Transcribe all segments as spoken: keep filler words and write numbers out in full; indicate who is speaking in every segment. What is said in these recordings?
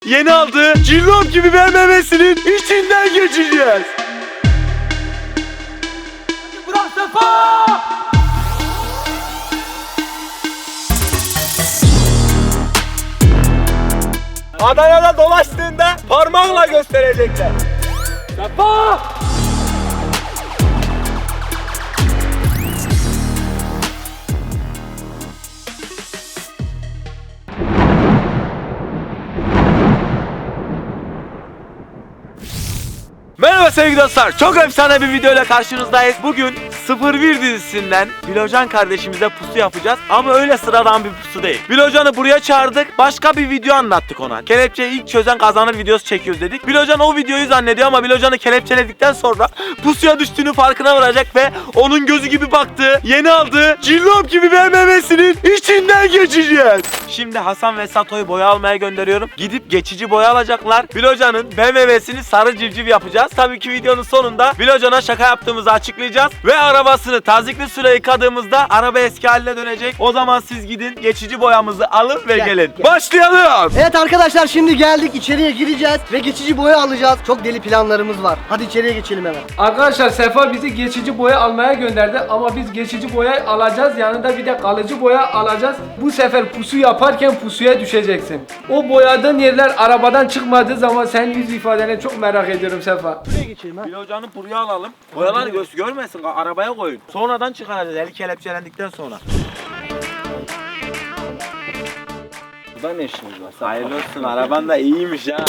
Speaker 1: Yeni aldığı cillop gibi B M W'sinin içinden geçeceğiz. Bırak Sefa! Adana'da dolaştığında parmağınla gösterecekler. Sefa! Merhaba sevgili dostlar, çok efsane bir video ile karşınızdayız. Bugün sıfır bir dizisinden Bilocan kardeşimize pusu yapacağız. Ama öyle sıradan bir pusu değil. Bilocan'ı buraya çağırdık, başka bir video anlattık ona. Kelepçeyi ilk çözen kazanır videosu çekiyoruz dedik. Bilocan o videoyu zannediyor ama Bilocan'ı kelepçeledikten sonra pusuya düştüğünü farkına varacak ve onun gözü gibi baktığı, yeni aldığı cillop gibi B M W'sinin içinden geçeceğiz. Şimdi Hasan ve Sato'yu boya almaya gönderiyorum. Gidip geçici boya alacaklar. Bilocan'ın B M W'sini sarı civciv yapacağız. Tabii ki videonun sonunda Bilocan'a şaka yaptığımızı açıklayacağız. Ve arabasını tazikli suyla yıkadığımızda araba eski haline dönecek. O zaman siz gidin geçici boyamızı alın ve
Speaker 2: Gel,
Speaker 1: gelin.
Speaker 2: gel.
Speaker 1: Başlayalım.
Speaker 2: Evet arkadaşlar, şimdi geldik, içeriye gireceğiz ve geçici boya alacağız. Çok deli planlarımız var. Hadi içeriye geçelim hemen.
Speaker 3: Arkadaşlar Sefa bizi geçici boya almaya gönderdi ama biz geçici boya alacağız, yanında bir de kalıcı boya alacağız. Bu sefer pusu yaparken pusuya düşeceksin. O boyadığın yerler arabadan çıkmadığı zaman senin yüz ifadeni çok merak ediyorum Sefa.
Speaker 2: Buraya geçelim ha.
Speaker 1: Bilocan'ı buraya alalım. Boyaları göz görmesin, arabaya koyun. Sonradan çıkaracağız eli kelepçelendikten sonra.
Speaker 4: Burada ne işiniz var?
Speaker 1: Hayırlı olsun, araban da iyiymiş ha.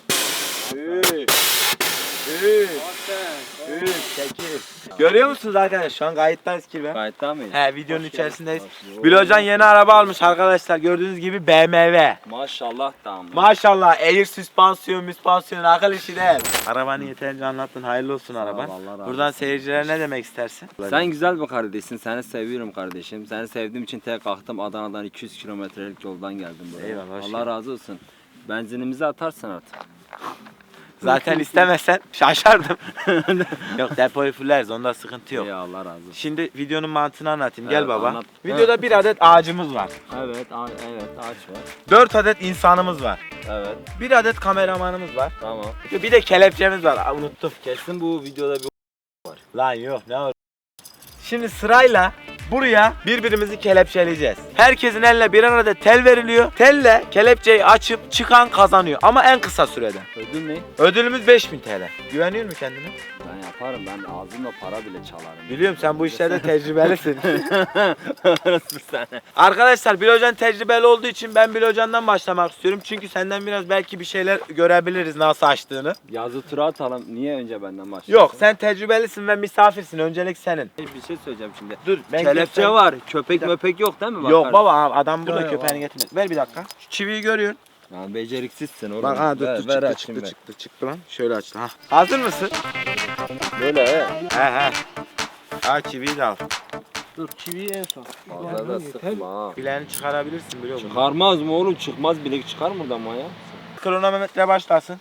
Speaker 1: Üç, üç, üç, sekiz. Görüyor musunuz arkadaşlar? Şu an kayıttayız ki ben.
Speaker 4: Kayıtta mıyız?
Speaker 1: He, videonun içerisindeyiz. Bilocan yeni araba almış arkadaşlar. Gördüğünüz gibi B M W.
Speaker 4: Maşallah tamam.
Speaker 1: Maşallah, air süspansiyon, müspansiyon, akıl işi değil. Arabanı yeterince anlattın. Hayırlı olsun araban.
Speaker 4: Allah razı
Speaker 1: Buradan
Speaker 4: olsun.
Speaker 1: seyircilere ne demek istersin?
Speaker 4: Sen güzel bir kardeşsin. Seni seviyorum kardeşim. Seni sevdiğim için tek kalktım Adana'dan iki yüz kilometrelik yoldan geldim buraya.
Speaker 1: Eyvallah, hoş
Speaker 4: Allah
Speaker 1: geldin.
Speaker 4: razı olsun. Benzinimizi atarsın artık.
Speaker 1: Zaten istemezsen şaşardım. Yok, depoyu fulleriz, onda sıkıntı yok.
Speaker 4: Ya Allah razı olsun.
Speaker 1: Şimdi videonun mantığını anlatayım. Gel
Speaker 4: Evet,
Speaker 1: baba.
Speaker 4: anlat.
Speaker 1: Videoda bir adet ağacımız var.
Speaker 4: Evet, a- evet ağaç var.
Speaker 1: Dört adet insanımız var.
Speaker 4: Evet,
Speaker 1: Bir adet kameramanımız var.
Speaker 4: tamam.
Speaker 1: Bir de kelepçemiz var. Aa, unuttum.
Speaker 4: Kesin bu videoda bir
Speaker 1: Lan yok, ne var? Şimdi sırayla buraya birbirimizi kelepçeleyeceğiz. Herkesin eline birer adet tel veriliyor. Telle kelepçeyi açıp çıkan kazanıyor. Ama en kısa sürede.
Speaker 4: ödül ne?
Speaker 1: Ödülümüz beş bin T L. Güveniyor musun kendine?
Speaker 4: Ben yaparım. Ben ağzımla para bile çalarım.
Speaker 1: Biliyorum, sen bu işlerde tecrübelisin.
Speaker 4: Nasıl sen?
Speaker 1: Arkadaşlar, Bilocan tecrübeli olduğu için ben Bilocan'dan başlamak istiyorum. Çünkü senden biraz belki bir şeyler görebiliriz nasıl açtığını.
Speaker 4: Yazı tura atalım. Niye önce benden başlıyorsun?
Speaker 1: Yok, sen tecrübelisin ve misafirsin. Öncelik senin.
Speaker 4: Bir şey söyleyeceğim şimdi.
Speaker 1: Dur, ben
Speaker 4: Kelepçe
Speaker 1: göstereyim.
Speaker 4: var. Köpek möpek yok değil mi?
Speaker 1: Yok
Speaker 4: Bakarız.
Speaker 1: baba, adam burada,
Speaker 2: Yok,
Speaker 1: köpeğini getirmedi. Ver bir dakika. Şu çiviyi görüyorsun.
Speaker 4: Ya beceriksizsin oğlum.
Speaker 1: Bak ha, dur
Speaker 4: ver,
Speaker 1: dur
Speaker 4: ver
Speaker 1: çıktı
Speaker 4: açayım
Speaker 1: çıktı
Speaker 4: ben.
Speaker 1: çıktı çıktı lan. Şöyle açtı ha. Hazır mısın?
Speaker 4: Böyle he.
Speaker 1: He he. Ha, çiviyi de al.
Speaker 2: Dur, çiviyi en son.
Speaker 4: Fazla da sıkma ha.
Speaker 1: Bileğini çıkarabilirsin, biliyor musun?
Speaker 4: Çıkarmaz mı oğlum? Çıkmaz, bilek çıkar mı buradan ya?
Speaker 1: Kronometre başlasın.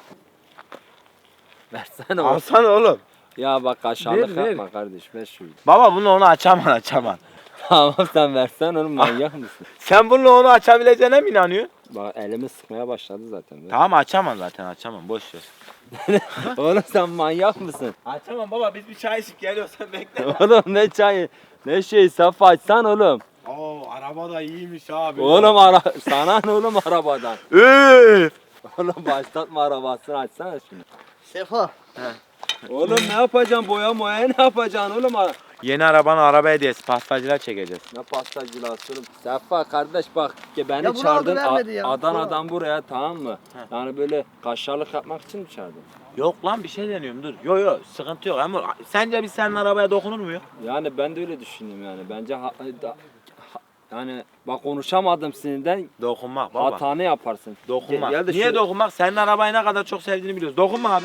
Speaker 4: Versene oğlum.
Speaker 1: Alsana oğlum.
Speaker 4: Ya bak aşağılık
Speaker 3: Ver, ver.
Speaker 4: yapma kardeş. Ver şunu.
Speaker 1: Baba, bunu onu açaman açaman.
Speaker 4: Tamam sen versen oğlum, manyak mısın?
Speaker 1: Sen bununla onu açabileceğine mi inanıyorsun?
Speaker 4: Bak elimi sıkmaya başladı zaten. Ver.
Speaker 1: Tamam, açamam zaten, açamam, boş ver.
Speaker 4: Oğlum sen manyak mısın?
Speaker 1: Açamam baba, biz bir çay içip geliyorsan bekle.
Speaker 4: Oğlum ne çayı? Ne şey, Safa açsan oğlum.
Speaker 1: Oo, araba da iyiymiş abi.
Speaker 4: Oğlum ara sana ne oğlum arabadan?
Speaker 1: Üf.
Speaker 4: Oğlum başlatma arabasını, açsana şunu.
Speaker 2: Sefa.
Speaker 4: Oğlum ne yapacaksın? Boya moya ne yapacaksın oğlum? Ara-
Speaker 1: Yeni arabanın araba hediyesi, pastacılar çekeceğiz.
Speaker 4: Ne pastacılası oğlum. Sefa kardeş bak ki beni
Speaker 2: Ya bunu
Speaker 4: çağırdın
Speaker 2: aldı, vermedi ya.
Speaker 4: A- Adana'dan buraya, tamam mı?
Speaker 1: He.
Speaker 4: Yani böyle kaşarlık yapmak için mi çağırdın?
Speaker 1: Yok lan, bir şey deniyorum, dur. Yo yo, sıkıntı yok ama sence biz senin arabaya dokunur muyuz?
Speaker 4: Yani ben de öyle düşündüm yani. Bence ha- da- ha- yani bak konuşamadım sinirden,
Speaker 1: Dokunmak baba.
Speaker 4: hatanı yaparsın.
Speaker 1: Dokunmak.
Speaker 4: Gel- gel de
Speaker 1: Niye
Speaker 4: şu-
Speaker 1: dokunmak? Senin arabayı ne kadar çok sevdiğini biliyoruz. Dokunma abi.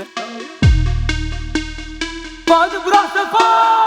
Speaker 3: Hadi bırak Sefa!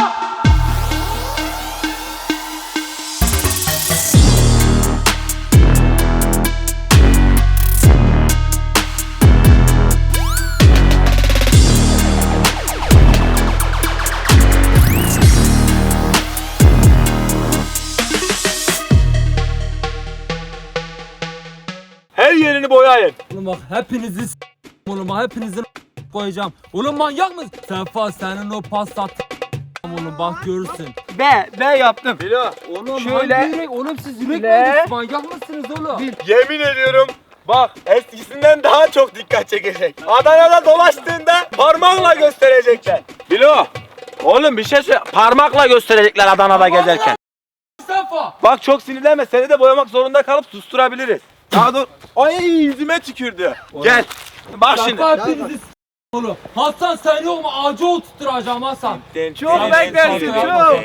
Speaker 1: Her yerini boyayın.
Speaker 3: Oğlum
Speaker 5: bak hepinizi s- oğlum bak hepinizi koyacağım. Oğlum manyak mısın? Sefa senin o Passat oğlum bak görürsün.
Speaker 3: B, B yaptım.
Speaker 1: Bilo.
Speaker 5: Oğlum
Speaker 3: Şöyle.
Speaker 5: hangi yürek? Oğlum siz yürek
Speaker 3: Le.
Speaker 5: misiniz? Manyak mısınız oğlum?
Speaker 1: Yemin ediyorum. Bak eskisinden daha çok dikkat çekecek. Adana'da dolaştığında parmağınla gösterecekler. Bilo. Oğlum bir şey söyle. Parmakla gösterecekler Adana'da gezerken.
Speaker 5: Sefa.
Speaker 1: Bak çok sinirlenme. Seni de boyamak zorunda kalıp susturabiliriz. Daha dur. Ay yüzüme tükürdü. Gel. Bak şimdi.
Speaker 5: Sefa hepinizi s- oğlum. Hasan sen yok mu? Ağacı oturtturacağım Hasan.
Speaker 3: Çok beklersin, çok.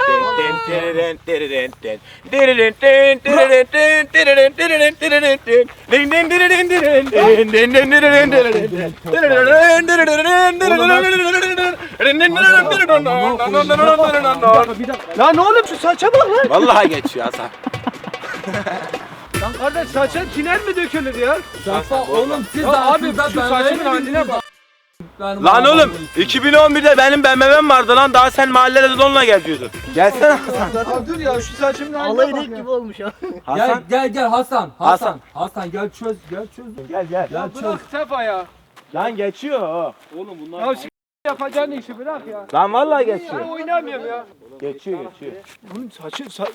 Speaker 3: Lan oğlum şu saça bak lan.
Speaker 1: Vallahi geçiyor Hasan.
Speaker 3: Lan kardeş saça tiner mi dökülür ya?
Speaker 5: Sefa oğlum siz
Speaker 3: Ya
Speaker 5: de
Speaker 3: abi,
Speaker 5: aslında
Speaker 3: şu
Speaker 5: ben
Speaker 3: saçın
Speaker 5: öyle
Speaker 3: haline
Speaker 5: bildiniz
Speaker 3: bak.
Speaker 5: Benim
Speaker 1: Lan
Speaker 5: arabam
Speaker 1: oğlum
Speaker 5: bu.
Speaker 1: iki bin on birde benim B M W'm vardı lan. Daha sen mahallede donla geziyordun. Gelsene Hasan.
Speaker 3: Ya dur ya şu saçımın haline
Speaker 2: Alay
Speaker 3: bak
Speaker 2: renk
Speaker 3: ya.
Speaker 2: gibi olmuş ya.
Speaker 5: Gel
Speaker 1: Hasan.
Speaker 5: gel gel Hasan.
Speaker 1: Hasan.
Speaker 5: Hasan. Hasan gel çöz gel çöz.
Speaker 1: Gel gel.
Speaker 5: Gel çöz.
Speaker 3: Bırak Sefa ya.
Speaker 1: Lan geçiyor o.
Speaker 3: Ya s- yapacağın işi bırak ya.
Speaker 1: Lan vallahi
Speaker 3: Ben
Speaker 1: geçiyor.
Speaker 3: oynamıyorum ya.
Speaker 1: Geçiyor geçiyor.
Speaker 3: Bunun saçı sa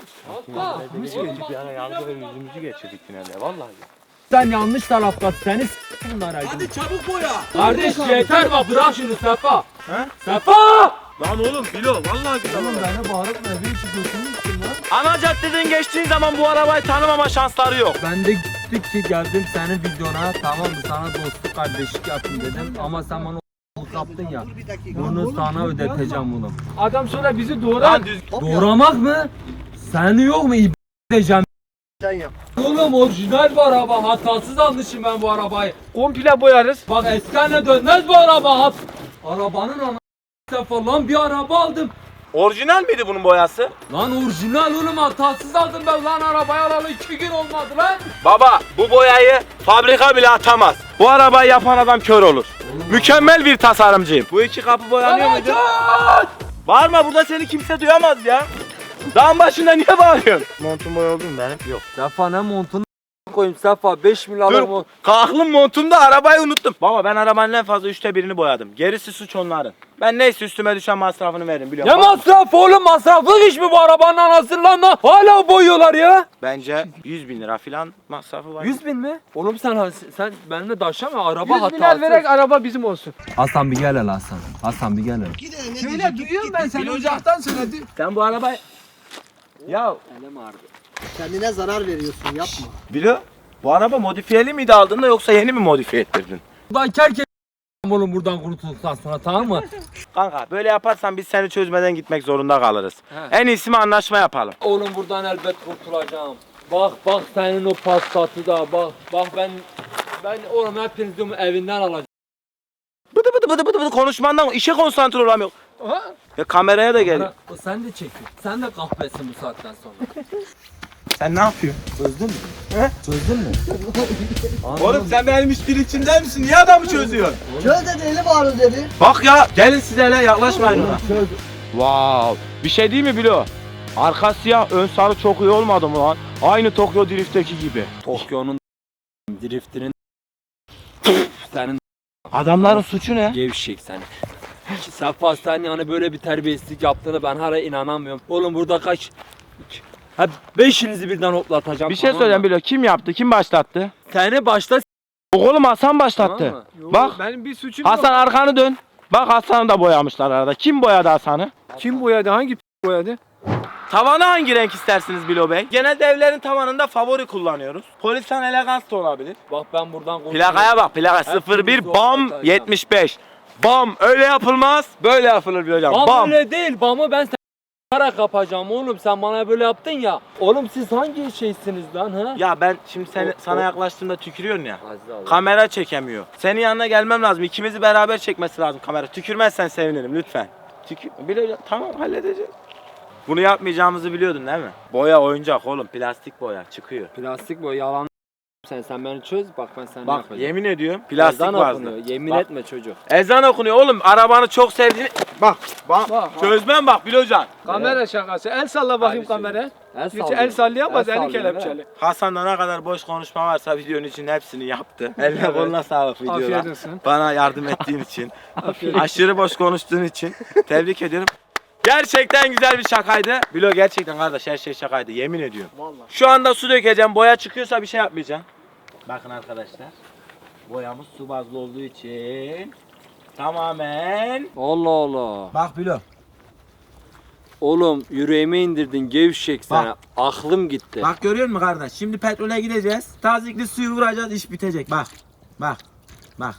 Speaker 1: Bir ara yalnız yüzümüzü geçirdik finalde vallahi.
Speaker 5: Sen yanlış tarafta seni s- bunlara. Hadi çabuk boya. Kardeş yeter bak bırak şunu Sefa.
Speaker 1: He?
Speaker 5: Sefa!
Speaker 1: Lan oğlum Bilo vallahi güzel.
Speaker 5: Oğlum beni bağırıp ne bir işi götürmüşsün lan.
Speaker 1: Ana caddeden geçtiğin zaman bu arabayı tanımama şansları yok.
Speaker 5: Ben de gittik ki geldim senin videona tamam mı sana dostluk kardeşlik yapayım dedim ama sen bana o yaptın ya. Bunu sana ödeteceğim bunu.
Speaker 3: adam sonra bizi doğrar.
Speaker 1: Lan düz.
Speaker 5: Doğramak mı? Seni yok mu ib edeceğim?
Speaker 2: Sen yap.
Speaker 5: Oğlum orijinal bu araba hatasız almışım ben bu arabayı.
Speaker 3: Komple boyarız.
Speaker 5: Bak eski haline dönmez bu araba. Hat. Arabanın ana Sefa lan bir araba aldım.
Speaker 1: Orijinal miydi bunun boyası?
Speaker 5: Lan orijinal oğlum hatasız aldım ben lan arabayı alalı iki gün olmadı lan.
Speaker 1: Baba bu boyayı fabrika bile atamaz. Bu arabayı yapan adam kör olur. Mükemmel bir tasarımcıyım. Bu iki kapı boyanıyor muydu? Bağırma burada seni kimse duyamaz ya. Dağın başında niye bağırıyorsun? Montum boya oldu mu benim? Yok.
Speaker 5: Sefa ne montunu koyayım Sefa beş milyar
Speaker 1: Dur
Speaker 5: mont.
Speaker 1: kalklım montumda arabayı unuttum. Baba ben arabanın en fazla üçte birini boyadım. Gerisi suç onların. Ben neyse üstüme düşen masrafını veririm biliyorum.
Speaker 5: Ne
Speaker 1: Bak,
Speaker 5: masraf oğlum masraflı iş mi bu arabanın anasını lan lan? Hala boyuyorlar ya.
Speaker 1: bence yüz bin lira falan masrafı var.
Speaker 5: yüz bin mi? Oğlum sen sen benimle daşama araba
Speaker 3: yüz
Speaker 5: hatasız.
Speaker 3: milyar vererek araba bizim olsun.
Speaker 5: Hasan bir gel hele Hasan. Hasan bir gel hele.
Speaker 3: Şöyle duyuyorum ben seni uzaktan söyledi.
Speaker 1: Sen bu arabayı... Ya
Speaker 2: Kendine zarar veriyorsun yapma.
Speaker 1: Bilo bu araba modifiyeli miydi aldığında yoksa yeni mi modifiye ettirdin?
Speaker 5: Buradan kerke oğlum buradan kurtulduktan sonra tamam mı?
Speaker 1: Kanka böyle yaparsan biz seni çözmeden gitmek zorunda kalırız.
Speaker 5: He.
Speaker 1: En iyisi mi anlaşma yapalım.
Speaker 5: Oğlum buradan elbet kurtulacağım. Bak bak senin o pastatı da bak bak ben ben oğlum hepinizi evinden alacağım.
Speaker 1: Bıdı bıdı bıdı bıdı bıdı konuşmandan işe konsantre olamıyor.
Speaker 3: Aha.
Speaker 1: Ya kameraya da gel.
Speaker 5: Bana- o sen de çekin. Sen de kahpesin bu saatten sonra.
Speaker 1: Sen ne yapıyorsun?
Speaker 5: Çözdün mü?
Speaker 1: He?
Speaker 5: Çözdün mü?
Speaker 1: Oğlum sen benim işin içinde misin? Niye adamı çözüyorsun?
Speaker 2: Çöz dedi eli bağırdı dedi.
Speaker 1: Bak ya gelin siz hele yaklaşmayın ona. Wow. Bir şey değil mi Bilo? Arka siyah ön sarı çok iyi olmadı mı lan? Aynı Tokyo Drift'teki gibi.
Speaker 5: Tokyo'nun driftinin senin
Speaker 1: Adamların suçu ne?
Speaker 5: gevşek seni. Sefa sen yani böyle bir terbiyesizlik yaptığını ben hala inanamıyorum. Oğlum burada kaç ha beşinizi birden hoplatacağım.
Speaker 1: Bir şey
Speaker 5: tamam
Speaker 1: söyleyeceğim
Speaker 5: mı?
Speaker 1: Bilo. Kim yaptı? Kim başlattı?
Speaker 5: Seni başta s-
Speaker 1: Oğlum Hasan başlattı.
Speaker 5: tamam mı?
Speaker 3: Yo,
Speaker 1: Bak.
Speaker 3: benim bir suçum yok.
Speaker 1: Hasan arkanı dön. Bak Hasan'ı da boyamışlar arada. Kim boyadı Hasan'ı?
Speaker 3: Kim boyadı? Hangi p- boyadı?
Speaker 1: Tavanı hangi renk istersiniz Bilo Bey? Genelde evlerin tavanında favori kullanıyoruz. Polisan elegans da olabilir.
Speaker 5: Bak ben buradan konuşuyorum.
Speaker 1: Plakaya bak plaka sıfır bir bam yetmiş beş. Bam öyle yapılmaz. Böyle yapılır Bilo hocam.
Speaker 5: Bam,
Speaker 1: Bam.
Speaker 5: öyle değil. Bamı ben sana kapacağım oğlum. Sen bana böyle yaptın ya. Oğlum siz hangi şeysiniz lan ha?
Speaker 1: Ya ben şimdi seni,
Speaker 5: O-
Speaker 1: sana
Speaker 5: o-
Speaker 1: yaklaştığımda tükürüyorsun ya.
Speaker 5: Aziz Allah.
Speaker 1: Kamera çekemiyor. Senin yanına gelmem lazım. İkimizi beraber çekmesi lazım kamera. Tükürmezsen sevinirim lütfen. Tükür. Bilo tamam halledeceğiz. Bunu yapmayacağımızı biliyordun değil mi? Boya oyuncak oğlum. Plastik boya çıkıyor.
Speaker 5: Plastik bu yalan. Sen sen beni çöz bak ben sana
Speaker 1: Bak
Speaker 5: yapacağım.
Speaker 1: yemin ediyorum plastik
Speaker 5: Ezan
Speaker 1: vardı.
Speaker 5: okunuyor. Yemin
Speaker 1: Bak.
Speaker 5: etme çocuk.
Speaker 1: Ezan okunuyor oğlum. Arabanı çok sevdiğini Bak, bak.
Speaker 3: Bak.
Speaker 1: Çözmem bak Bilocan.
Speaker 3: Kamera şakası. El salla bakayım
Speaker 5: Abi söyle.
Speaker 3: kamera.
Speaker 5: El
Speaker 3: Gerçi
Speaker 5: sallıyor.
Speaker 3: el sallayamaz
Speaker 5: El
Speaker 3: eli
Speaker 5: sallıyor,
Speaker 3: kelepçeli.
Speaker 1: Hasan'da ne kadar boş konuşma varsa videonun için hepsini yaptı. Eline
Speaker 3: Evet.
Speaker 1: koluna sağlık videoda.
Speaker 3: Afiyet olsun.
Speaker 1: Bana yardım ettiğin için.
Speaker 3: Afiyet
Speaker 1: Aşırı boş konuştuğun için. Tebrik ediyorum. Gerçekten güzel bir şakaydı. Bilo gerçekten kardeş her şey şakaydı yemin ediyorum.
Speaker 3: Vallahi.
Speaker 1: Şu anda su dökeceğim. Boya çıkıyorsa bir şey yapmayacağım. Bakın arkadaşlar. Boyamız su bazlı olduğu için tamamen.
Speaker 5: Allah Allah.
Speaker 1: Bak Bilo.
Speaker 5: Oğlum yüreğime indirdin gevşek sana.
Speaker 1: Bak.
Speaker 5: Aklım gitti.
Speaker 1: Bak görüyor musun kardeş? Şimdi petrole gideceğiz. Tazikli suyu vuracağız, iş bitecek. Bak. Bak. Bak.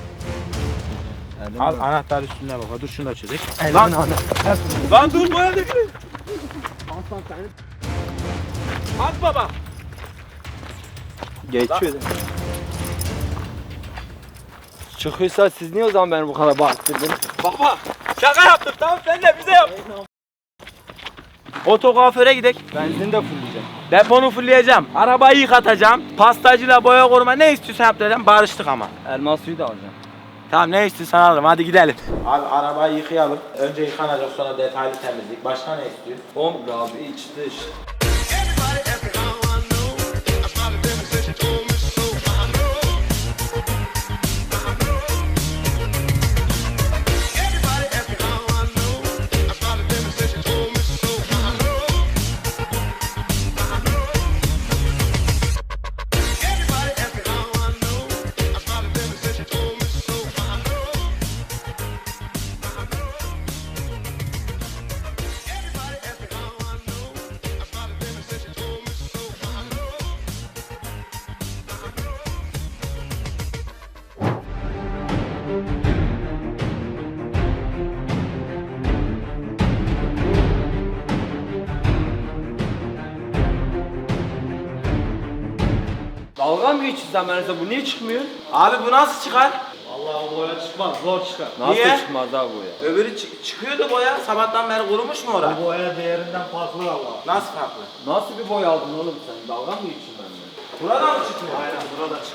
Speaker 1: Al anahtar üstünde baba. Dur şunu da çözek. Lan, lan dur boya dökülür. At baba.
Speaker 5: Geçiyor. Çıkıyorsa siz niye o zaman beni bu kadar baktırdınız?
Speaker 1: Baba. Şaka yaptık tamam sen de bize yap. Otokuaföre gidek.
Speaker 5: Benzin de fulleyeceğim.
Speaker 1: Deponu fullleyeceğim. Arabayı yıkatacağım. Pastacıyla boya koruma ne istiyorsan yaptıracağım. Barıştık ama.
Speaker 5: Elma suyu da alacağım.
Speaker 1: Tamam ne istiyorsan alırım hadi gidelim. Abi arabayı yıkayalım. Önce yıkanacak sonra detaylı temizlik. Başka ne istiyorsun?
Speaker 5: Komple abi iç dış.
Speaker 6: Everybody asking how I know. I started them since you told me so. I know. I know. Everybody asking how I know. I started them since you told me so. I know. I know. Everybody asking how I know. I started them since you told me so. I know. I know. Everybody asking how I know. I started them since you told me so. I know.
Speaker 5: Dalga mı geçiyorsun sen benimle? Bu niye çıkmıyor?
Speaker 1: Abi bu nasıl çıkar?
Speaker 3: Vallahi boya çıkmaz, zor çıkar.
Speaker 5: Nasıl
Speaker 1: Niye?
Speaker 5: çıkmaz abi bu ya?
Speaker 1: Öbürü çı- çıkıyordu boya. Sabahtan beri kurumuş mu orası?
Speaker 2: Boya değerinden farklı valla.
Speaker 1: Nasıl farklı?
Speaker 5: Nasıl bir boy aldın oğlum sen? Dalga mı geçiyorsun benimle?
Speaker 1: Buradan mı çıkmıyor?
Speaker 2: Aynen burada çık.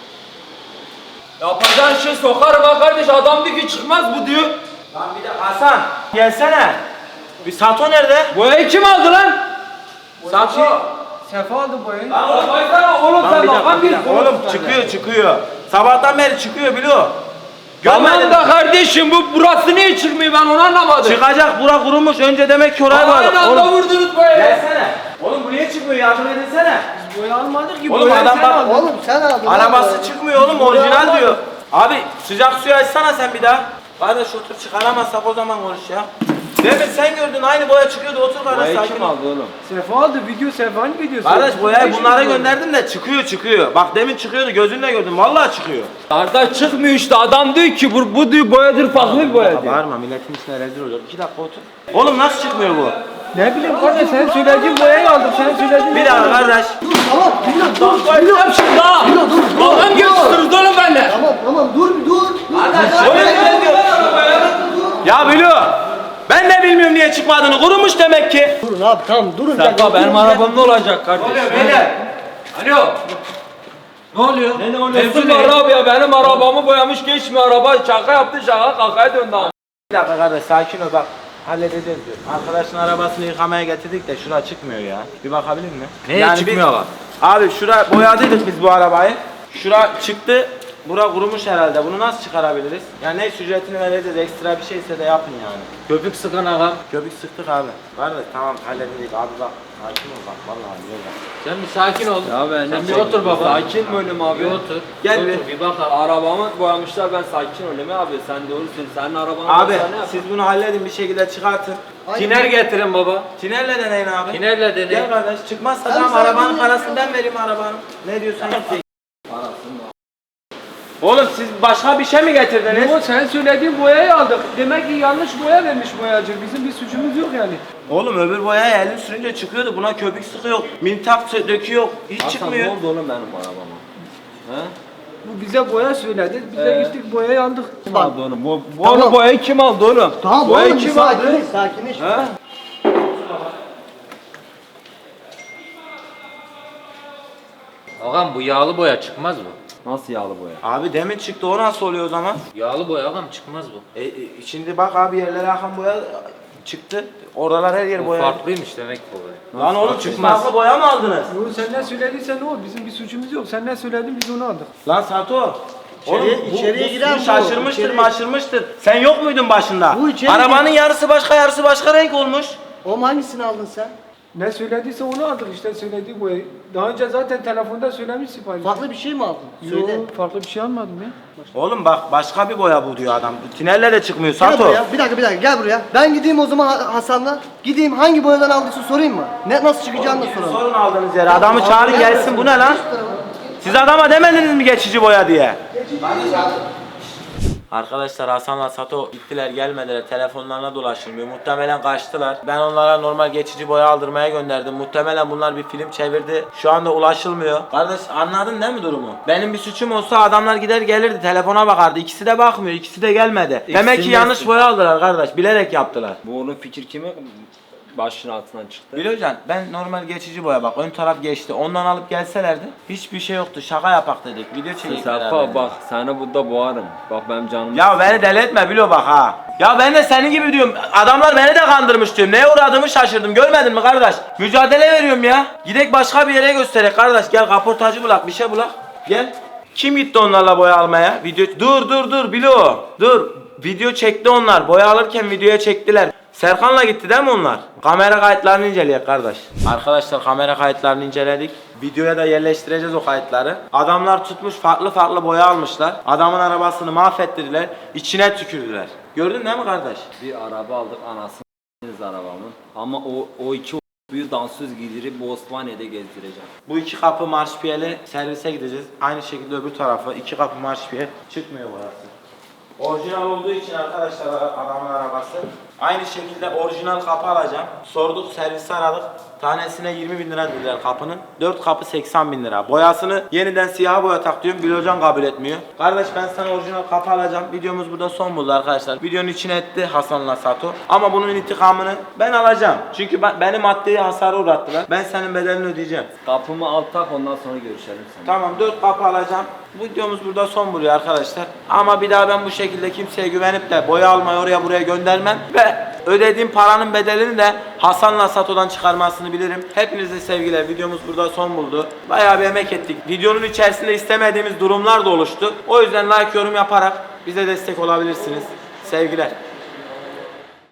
Speaker 5: Yapacağın şey sokar bak kardeş, adam diyor ki çıkmaz bu diyor.
Speaker 1: Lan bir de Hasan gelsene. Bir Sato nerede?
Speaker 5: Boyayı kim aldı lan?
Speaker 1: Sato.
Speaker 3: Sefa aldı boyayı.
Speaker 5: Lan oğlum baksana oğlum
Speaker 1: Lan
Speaker 5: sen
Speaker 1: bir dakika,
Speaker 5: bakan
Speaker 1: bir
Speaker 5: bir
Speaker 1: dakika. Oğlum çıkıyor çıkıyor. Sabahtan beri çıkıyor biliyor.
Speaker 5: Tamam
Speaker 1: Görmedin
Speaker 5: da
Speaker 1: mi?
Speaker 5: kardeşim bu burası niye çıkmıyor ben onu anlamadım.
Speaker 1: Çıkacak bura kurumuş önce demek ki oraya var.
Speaker 5: Aynı anda
Speaker 1: Oğlum
Speaker 5: vurdunuz boyayı.
Speaker 1: gelsene. Oğlum bu niye çıkmıyor yardım edinsene.
Speaker 3: Boya almadık ki,
Speaker 1: Oğlum
Speaker 3: boyayı
Speaker 1: adam
Speaker 3: sen
Speaker 1: bak-
Speaker 3: aldın.
Speaker 2: Oğlum sen aldın. lan
Speaker 1: Arabası
Speaker 2: boyayı.
Speaker 1: çıkmıyor oğlum orijinal diyor. Abi sıcak suyu açsana sen bir daha. Kardeş otur çıkaramazsak o zaman konuş ya. Demin sen gördün aynı boya çıkıyordu otur kardeş
Speaker 5: Boyayı
Speaker 1: sakin
Speaker 5: kim
Speaker 1: ol.
Speaker 5: aldı oğlum?
Speaker 3: Sefa aldı, video Sefa'nın videosu.
Speaker 1: Kardeş boyayı
Speaker 3: Beş
Speaker 1: bunlara
Speaker 3: yüz boya.
Speaker 1: gönderdim de çıkıyor çıkıyor. Bak demin çıkıyordu gözünle gördüm vallahi çıkıyor.
Speaker 5: Kardeş çıkmıyor işte adam diyor ki bu, bu diyor boyadır farklı bir boya diyor.
Speaker 1: Bağırma milletin içine rezil olacak. İki dakika otur. Oğlum nasıl çıkmıyor bu?
Speaker 3: Ne bileyim kardeş, sen söylediğin boyayı aldık, sen söylediğin
Speaker 1: Bir dakika kardeş.
Speaker 2: Tamam Bilo dur.
Speaker 5: Boyayacağım şimdi ha.
Speaker 2: Bilo dur. dur,
Speaker 5: Adam
Speaker 2: dur.
Speaker 5: geçtiniz oğlum benimle.
Speaker 2: Tamam tamam dur bir dur. dur.
Speaker 1: Oğlum ne diyor? Ya Bilo. Ben de bilmiyorum niye çıkmadığını. Kurumuş demek ki.
Speaker 2: Durun abi tamam durun.
Speaker 5: Sefa benim arabam ne olacak kardeş?
Speaker 1: Beyler.
Speaker 5: Alo. Ne oluyor? Ne, ne oluyor? Mevzu var abi ya benim arabamı boyamış geçmiyor araba şaka yaptı şaka kakaya döndü abi.
Speaker 1: Bir dakika kardeş sakin ol bak. Halledeceğiz diyor. Arkadaşın arabasını yıkamaya getirdik de şura çıkmıyor ya. Bir bakabilir mi?
Speaker 5: Neye çıkmıyor bak?
Speaker 1: Abi şura boyadıydık biz bu arabayı. Şura çıktı. Bura kurumuş herhalde. Bunu nasıl çıkarabiliriz? Yani ne ücretini vereceğiz. Ekstra bir şeyse de yapın yani.
Speaker 5: Köpük sıkan ağam.
Speaker 1: Köpük sıktık abi. Var da tamam hallededik abi bak. Sakin ol bak vallahi diyor bak.
Speaker 5: Sen bir sakin ol. Ya ben
Speaker 3: Sen bir otur baba.
Speaker 5: Sakin mi olayım abi? Bir otur.
Speaker 1: Gel
Speaker 5: otur,
Speaker 1: bir.
Speaker 5: bir bak abi. Arabamı boyamışlar ben sakin olayım abi. Sen doğrusun. Senin arabanı
Speaker 1: Abi
Speaker 5: boyasa ne
Speaker 1: siz bunu halledin bir şekilde çıkartın.
Speaker 5: Tiner getirin baba.
Speaker 1: Tinerle deneyin abi.
Speaker 5: Tinerle deneyin.
Speaker 1: Gel kardeş çıkmazsa
Speaker 2: Abi
Speaker 1: tamam
Speaker 2: sana
Speaker 1: arabanın
Speaker 2: bunu-
Speaker 1: parasını ben vereyim arabanın. Ne diyorsun yap. Oğlum siz başka bir şey mi getirdiniz?
Speaker 3: Yo, sen söylediğin boyayı aldık. Demek ki yanlış boya vermiş boyacı. Bizim bir suçumuz yok yani.
Speaker 1: Oğlum öbür boyaya elin sürünce çıkıyordu. Buna köpük sıkıyor. Mintak sö- döküyor. Hiç
Speaker 5: Hasan ne
Speaker 1: çıkmıyor.
Speaker 5: oldu oğlum benim arabama? He?
Speaker 3: Bu bize boya söyledi. Biz de
Speaker 5: Ee?
Speaker 3: gittik boyayı aldık.
Speaker 5: Kim aldı onu? Bu, bu
Speaker 2: Tamam.
Speaker 5: onu boyayı kim aldı oğlum?
Speaker 2: Tamam
Speaker 5: boyayı
Speaker 2: oğlum bir
Speaker 5: kim aldı?
Speaker 2: sakinleş sakinleş.
Speaker 5: He?
Speaker 7: Ağam bu yağlı boya çıkmaz mı?
Speaker 4: Nasıl yağlı boya?
Speaker 1: Abi demin çıktı, o nasıl oluyor o zaman?
Speaker 7: Yağlı boya ağam çıkmaz bu.
Speaker 1: E, e, şimdi bak abi, yerlere akan boya çıktı. Oralar her yer
Speaker 7: Bu
Speaker 1: boya.
Speaker 7: farklıymış demek bu boya.
Speaker 1: Lan oğlum, siz farklı boya mı aldınız?
Speaker 3: Yo, sen ne söylediysen o. Bizim bir suçumuz yok. Sen ne söyledin biz onu aldık.
Speaker 1: Lan Sato. Oğlum
Speaker 2: İçeriye-
Speaker 1: bu,
Speaker 2: içeriye
Speaker 1: bu
Speaker 2: giren
Speaker 1: su
Speaker 2: bu.
Speaker 1: şaşırmıştır,
Speaker 2: İçeriye-
Speaker 1: maşırmıştır. Sen yok muydun başında?
Speaker 2: Bu içeri
Speaker 1: Arabanın
Speaker 2: gir-
Speaker 1: yarısı başka, yarısı başka renk olmuş.
Speaker 2: Oğlum hangisini aldın sen?
Speaker 3: Ne söylediyse onu aldık işte söylediği boyayı. Daha önce zaten telefonda söylemiş sipariş.
Speaker 2: Farklı bir şey mi aldın? Söyle.
Speaker 3: Yok farklı bir şey almadım ya.
Speaker 1: Oğlum bak, başka bir boya bu diyor adam. Tinelle de çıkmıyor
Speaker 2: Gel
Speaker 1: Sato.
Speaker 2: buraya. Bir dakika bir dakika gel buraya. Ben gideyim o zaman Ha- Hasan'la. Gideyim hangi boyadan aldıysa sorayım mı? Ne nasıl çıkacağını da soralım.
Speaker 1: Sorun aldığınız yere. Adamı çağırın
Speaker 2: Gel
Speaker 1: gelsin.
Speaker 2: buraya.
Speaker 1: Bu ne lan? Siz adama demediniz mi geçici boya diye? Arkadaşlar Hasan'la Sato gittiler, gelmediler, telefonlarına dolaşılmıyor. Muhtemelen kaçtılar. Ben onlara normal geçici boya aldırmaya gönderdim. Muhtemelen bunlar bir film çevirdi. Şu anda ulaşılmıyor. Kardeş, anladın değil mi durumu? Benim bir suçum olsa adamlar gider gelirdi, telefona bakardı. İkisi de bakmıyor, ikisi de gelmedi. Demek ki yanlış
Speaker 4: nesi?
Speaker 1: boya aldılar kardeş, bilerek yaptılar.
Speaker 4: Bu onun fikir kimi başının altından çıktı?
Speaker 1: Bilöcan, ben normal geçici boya, bak ön taraf geçti. Ondan alıp gelselerdi hiçbir şey yoktu. Şaka yapak dedik. Video çekik beraber.
Speaker 4: Safa bak seni burada boğarım. Bak benim canım.
Speaker 1: Ya beni deli etme Bilo bak ha. Ya ben de senin gibi diyorum. Adamlar beni de kandırmış diyorum. Neye uğradığımı şaşırdım. Görmedin mi kardeş? Mücadele veriyorum ya. Gidek başka bir yere gösterek kardeş. Gel kaportacı bulak, bir şey bulak. Gel. Kim gitti onlarla boya almaya? Video Dur dur dur Bilo. Dur. Video çekti onlar. Boya alırken videoya çektiler. Serkan'la gitti değil mi onlar? Kamera kayıtlarını inceleyek kardeş. Arkadaşlar kamera kayıtlarını inceledik. Videoya da yerleştireceğiz o kayıtları. Adamlar tutmuş farklı farklı boya almışlar. Adamın arabasını mahvettirdiler. İçine tükürdüler. Gördün değil mi kardeş?
Speaker 4: Bir araba aldık anasını arabamın. Ama o o iki büyük dansöz giydirip bu Osmaniye'de gezdireceğim.
Speaker 1: Bu iki kapı marşpiyeli servise gideceğiz. Aynı şekilde öbür tarafa iki kapı marşpiyel çıkmıyor burası. Orijinal olduğu için arkadaşlar adamın arabası. Aynı şekilde orijinal kapı alacağım. Sorduk, servisi aradık. Tanesine yirmi bin lira dediler kapının. dört kapı seksen bin lira. Boyasını yeniden siyah boya tak diyorum. Bilocan kabul etmiyor. Kardeş ben sana orijinal kapı alacağım. Videomuz burada son buldu arkadaşlar. Videonun içine etti Hasan'la Sato. Ama bunun intikamını ben alacağım. Çünkü ben, beni maddeye hasarı uğrattılar. Ben senin bedelini ödeyeceğim.
Speaker 4: Kapımı al tak ondan sonra görüşelim seninle.
Speaker 1: Tamam, dört kapı alacağım. Bu videomuz burada son buluyor arkadaşlar. Ama bir daha ben bu şekilde kimseye güvenip de boya almayı oraya buraya göndermem. Ve ödediğim paranın bedelini de Hasan'la Sato'dan çıkarmasını bilirim. Hepinize sevgiler. Videomuz burada son buldu. Bayağı bir emek ettik. Videonun içerisinde istemediğimiz durumlar da oluştu. O yüzden like, yorum yaparak bize destek olabilirsiniz. Sevgiler.